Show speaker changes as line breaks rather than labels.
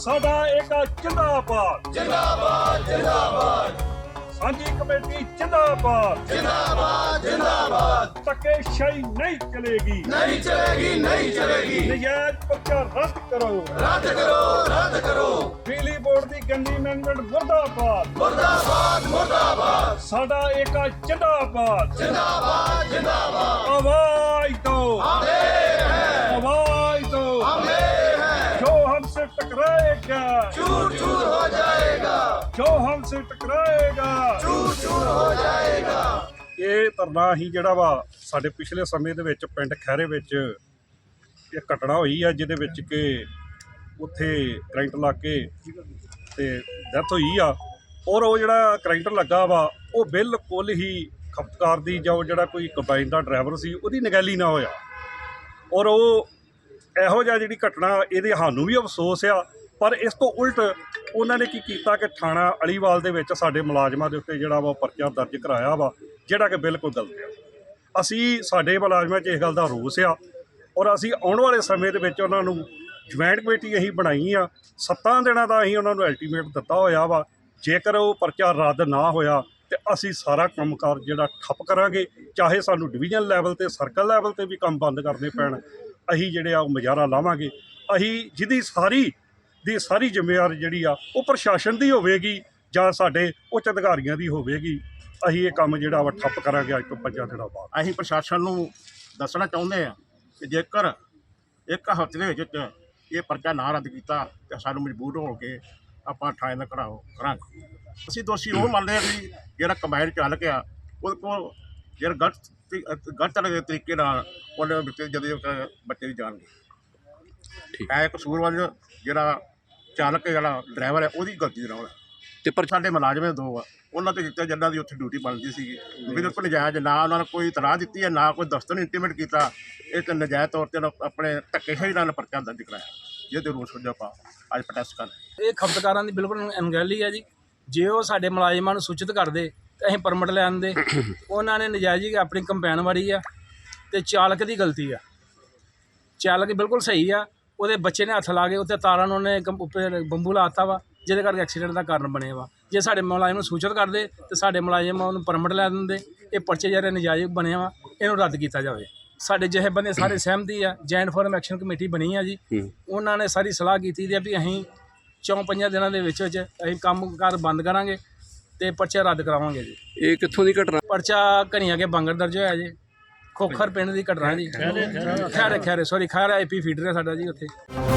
ਸਾਡਾ ਏਕਾ ਜਿੰਦਾਬਾਦ
ਜਿੰਦਾਬਾਦ ਜਿੰਦਾਬਾਦ
ਸਾਂਝੀ ਕਮੇਟੀ ਜਿੰਦਾਬਾਦ
ਜਿੰਦਾਬਾਦ ਜਿੰਦਾਬਾਦ
ਧੱਕੇਸ਼ਾਹੀ ਨਹੀਂ ਚਲੇਗੀ
ਨਹੀਂ ਚਲੇਗੀ ਨਹੀਂ ਚਲੇਗੀ
ਨਜਾਇਜ਼ ਪਰਚਾ ਰੱਦ ਕਰੋ
ਰੱਦ ਕਰੋ ਰੱਦ ਕਰੋ
ਬਿਜਲੀ ਬੋਰਡ ਦੀ ਗੰਦੀ ਅਮੈਂਡਮੈਂਟ ਮੁਰਦਾਬਾਦ
ਮੁਰਦਾਬਾਦ ਮੁਰਦਾਬਾਦ
ਸਾਡਾ ਏਕਾ ਜਿੰਦਾਬਾਦ
ਜਿੰਦਾਬਾਦ ਜਿੰਦਾਬਾਦ
आवाज दो आवाज दो जो हमसे टकराएगा
चूर चूर हो जाएगा
जो हमसे टकराएगा
चूर चूर हो जाएगा।
ਇਹ ਧਰਨਾ ਹੀ ਜਿਹੜਾ ਵਾ ਸਾਡੇ ਪਿਛਲੇ ਸਮੇਂ ਦੇ ਵਿੱਚ ਪਿੰਡ ਖੈਰੇ ਵਿੱਚ ਇਹ ਘਟਨਾ ਹੋਈ ਆ ਜਿਹਦੇ ਵਿੱਚ ਕਿ ਉੱਥੇ ਕਰੰਟ ਲੱਗ ਕੇ ਤੇ ਡੈਥ ਹੋਈ ਆ ਔਰ ਉਹ ਜਿਹੜਾ ਕਰੰਟ ਲੱਗਾ ਵਾ ਉਹ ਬਿਲਕੁਲ ਹੀ ਖਪਤਕਾਰ ਦੀ ਜਾਂ ਉਹ ਜਿਹੜਾ ਕੋਈ ਕੰਬਾਈਨ ਦਾ ਡਰਾਈਵਰ ਸੀ ਉਹਦੀ ਨਿਗਹਿਲੀ ਨਾ ਹੋਇਆ ਔਰ ਉਹ ਇਹੋ ਜਿਹਾ ਜਿਹੜੀ ਘਟਨਾ ਇਹਦੇ ਸਾਨੂੰ ਵੀ ਅਫਸੋਸ ਆ ਪਰ ਇਸ ਤੋਂ ਉਲਟ ਉਹਨਾਂ ਨੇ ਕੀ ਕੀਤਾ ਕਿ ਥਾਣਾ ਅਲੀਵਾਲ ਦੇ ਵਿੱਚ ਸਾਡੇ ਮੁਲਾਜ਼ਮਾਂ ਦੇ ਉੱਤੇ ਜਿਹੜਾ ਵਾ ਪਰਚਾ ਦਰਜ ਕਰਾਇਆ ਵਾ ਜਿਹੜਾ ਕਿ ਬਿਲਕੁਲ ਗਲਤ ਆ। ਅਸੀਂ ਸਾਡੇ ਮੁਲਾਜ਼ਮਾਂ 'ਚ ਇਸ ਗੱਲ ਦਾ ਰੋਸ ਆ ਔਰ ਅਸੀਂ ਆਉਣ ਵਾਲੇ ਸਮੇਂ ਦੇ ਵਿੱਚ ਉਹਨਾਂ ਨੂੰ ਜੁਆਇੰਟ ਕਮੇਟੀ ਅਸੀਂ ਬਣਾਈ ਆ 7 ਦਿਨਾਂ ਦਾ ਅਸੀਂ ਉਹਨਾਂ ਨੂੰ ਅਲਟੀਮੇਟ ਦਿੱਤਾ ਹੋਇਆ ਵਾ ਜੇਕਰ ਉਹ ਪਰਚਾ ਰੱਦ ਨਾ ਹੋਇਆ ਤੇ ਅਸੀਂ ਸਾਰਾ ਕੰਮਕਾਰ ਜਿਹੜਾ ਠੱਪ ਕਰਾਂਗੇ ਚਾਹੇ ਸਾਨੂੰ ਡਿਵੀਜ਼ਨ ਲੈਵਲ ਤੇ ਸਰਕਲ ਲੈਵਲ ਤੇ ਵੀ ਕੰਮ ਬੰਦ ਕਰਨੇ ਪੈਣ ਅਸੀਂ ਜਿਹੜੇ ਆ ਉਹ ਮੁਜ਼ਾਹਰਾ ਲਾਵਾਂਗੇ। ਅਸੀਂ ਜਿਹਦੀ ਸਾਰੀ ਜ਼ਿੰਮੇਵਾਰੀ ਜਿਹੜੀ ਆ ਉਹ ਪ੍ਰਸ਼ਾਸਨ ਦੀ ਹੋਵੇਗੀ ਜਾਂ ਸਾਡੇ ਉੱਚ ਅਧਿਕਾਰੀਆਂ ਦੀ ਹੋਵੇਗੀ। ਅਸੀਂ ਇਹ ਕੰਮ ਜਿਹੜਾ ਵਾ ਠੱਪ ਕਰਾਂਗੇ ਅੱਜ ਤੋਂ 5 ਦਿਨਾਂ ਬਾਅਦ।
ਅਸੀਂ ਪ੍ਰਸ਼ਾਸਨ ਨੂੰ ਦੱਸਣਾ ਚਾਹੁੰਦੇ ਹਾਂ ਕਿ ਜੇਕਰ ਇੱਕ ਹਫ਼ਤੇ ਦੇ ਵਿੱਚ ਇਹ ਪਰਚਾ ਨਾ ਰੱਦ ਕੀਤਾ ਤਾਂ ਸਾਨੂੰ ਮਜਬੂਰ ਹੋ ਕੇ ਆਪਾਂ ਥਾਣੇ ਦਾ ਘਿਰਾਓ ਕਰਾਂਗੇ। ਅਸੀਂ ਦੋਸ਼ੀ ਉਹ ਮੰਨਦੇ ਹਾਂ ਵੀ ਜਿਹੜਾ ਕੰਬਾਈਨ ਚਾਲਕ ਆ ਉਹਦੇ ਕੋਲ ਜਿਹੜਾ ਗਲਤ ਤਰੀਕੇ ਨਾਲ ਉਹਨੇ ਬੱਚੇ ਜਦੋਂ ਬੱਚੇ ਦੀ ਜਾਨ ਗਈ ਹੈ ਕਸੂਰਵਾਰ ਜਿਹੜਾ ਚਾਲਕ ਜਿਹੜਾ ਡਰਾਈਵਰ ਹੈ ਉਹਦੀ ਗਲਤੀ ਦੇ ਨਾਲ ਤੇ ਪਰ ਸਾਡੇ ਮੁਲਾਜ਼ਮ ਦੋ ਆ ਉਹਨਾਂ ਤੇ ਦਿੱਤੇ ਜਿਨ੍ਹਾਂ ਦੀ ਉੱਥੇ ਡਿਊਟੀ ਬਣਦੀ ਸੀਗੀ ਬਿਲਕੁਲ ਨਜਾਇਜ਼ ਨਾ ਉਹਨਾਂ ਨੇ ਕੋਈ ਇਤਲਾਹ ਦਿੱਤੀ ਹੈ ਨਾ ਕੋਈ ਦਫ਼ਤਰ ਨੂੰ ਇੰਟੀਮੇਟ ਕੀਤਾ ਇਹ ਤਾਂ ਨਜਾਇਜ਼ ਤੌਰ 'ਤੇ ਆਪਣੇ ਧੱਕੇਸ਼ਾਹੀ ਨਾਲ ਪਰਚਾ ਦਰਜ ਕਰਾਇਆ ਜਿਹਦੇ ਰੋਸ ਵਜੋਂ ਆਪਾਂ ਅੱਜ ਪ੍ਰੋਟੈਸਟ ਕਰ ਰਹੇ।
ਇਹ ਖਪਤਕਾਰਾਂ ਦੀ ਬਿਲਕੁਲ ਅਣਗਹਿਲੀ ਹੈ ਜੀ। ਜੇ ਉਹ ਸਾਡੇ ਮੁਲਾਜ਼ਮਾਂ ਨੂੰ ਸੂਚਿਤ ਕਰਦੇ ਤਾਂ ਅਸੀਂ ਪਰਮਿਟ ਲੈ ਆਉਂਦੇ। ਉਹਨਾਂ ਨੇ ਨਜਾਇਜ਼ ਹੀ ਆਪਣੀ ਕੰਪੈਨ ਵਾਰੀ ਆ ਤੇ ਚਾਲਕ ਦੀ ਗਲਤੀ ਆ। ਚਾਲਕ ਬਿਲਕੁਲ ਸਹੀ ਆ ਉਹਦੇ ਬੱਚੇ ਨੇ ਹੱਥ ਲਾ ਕੇ ਉੱਤੇ ਤਾਰਾਂ ਨੂੰ ਉਹਨੇ ਉੱਪਰ ਬੰਬੂ ਲਾਤਾ ਵਾ ਜਿਹਦੇ ਕਰਕੇ ਐਕਸੀਡੈਂਟ ਦਾ ਕਾਰਨ ਬਣਿਆ ਵਾ। ਜੇ ਸਾਡੇ ਮੁਲਾਜ਼ਮ ਨੂੰ ਸੂਚਿਤ ਕਰਦੇ ਤੇ ਸਾਡੇ ਮੁਲਾਜ਼ਮ ਉਹਨੂੰ ਪਰਮਿਟ ਲੈ ਦਿੰਦੇ। ਇਹ ਪਰਚੇ ਜਿਹੜੇ ਨਜਾਇਜ਼ ਬਣਿਆ ਵਾ ਇਹਨੂੰ ਰੱਦ ਕੀਤਾ ਜਾਵੇ। ਸਾਡੇ ਜਿਹੇ ਬੰਦੇ ਸਾਰੇ ਸਹਿਮਤੀ ਆ। ਜੈਂਟ ਫੋਰਮ ਐਕਸ਼ਨ ਕਮੇਟੀ ਬਣੀ ਆ ਜੀ। ਉਹਨਾਂ ਨੇ ਸਾਰੀ ਸਲਾਹ ਕੀਤੀ ਦੀ ਆ ਵੀ ਅਸੀਂ 4-5 ਦਿਨਾਂ ਦੇ ਵਿੱਚ ਅਸੀਂ ਕੰਮ ਕਾਰ ਬੰਦ ਕਰਾਂਗੇ ਤੇ ਪਰਚਾ ਰੱਦ ਕਰਾਵਾਂਗੇ ਜੀ।
ਇਹ ਕਿੱਥੋਂ ਦੀ ਘਟਨਾ?
ਪਰਚਾ ਘਣੀਆਂ ਕੇ ਬਾਂਗਰ ਦਰਜ ਹੋਇਆ ਜੀ। ਖੋਖਰ ਪਿੰਡ ਦੀ ਘਟਨਾ ਜੀ। ਖੈਰੇ ਸੌਰੀ ਖੈਰਾ IP ਫੀਡਰ ਹੈ ਸਾਡਾ ਜੀ ਉੱਥੇ।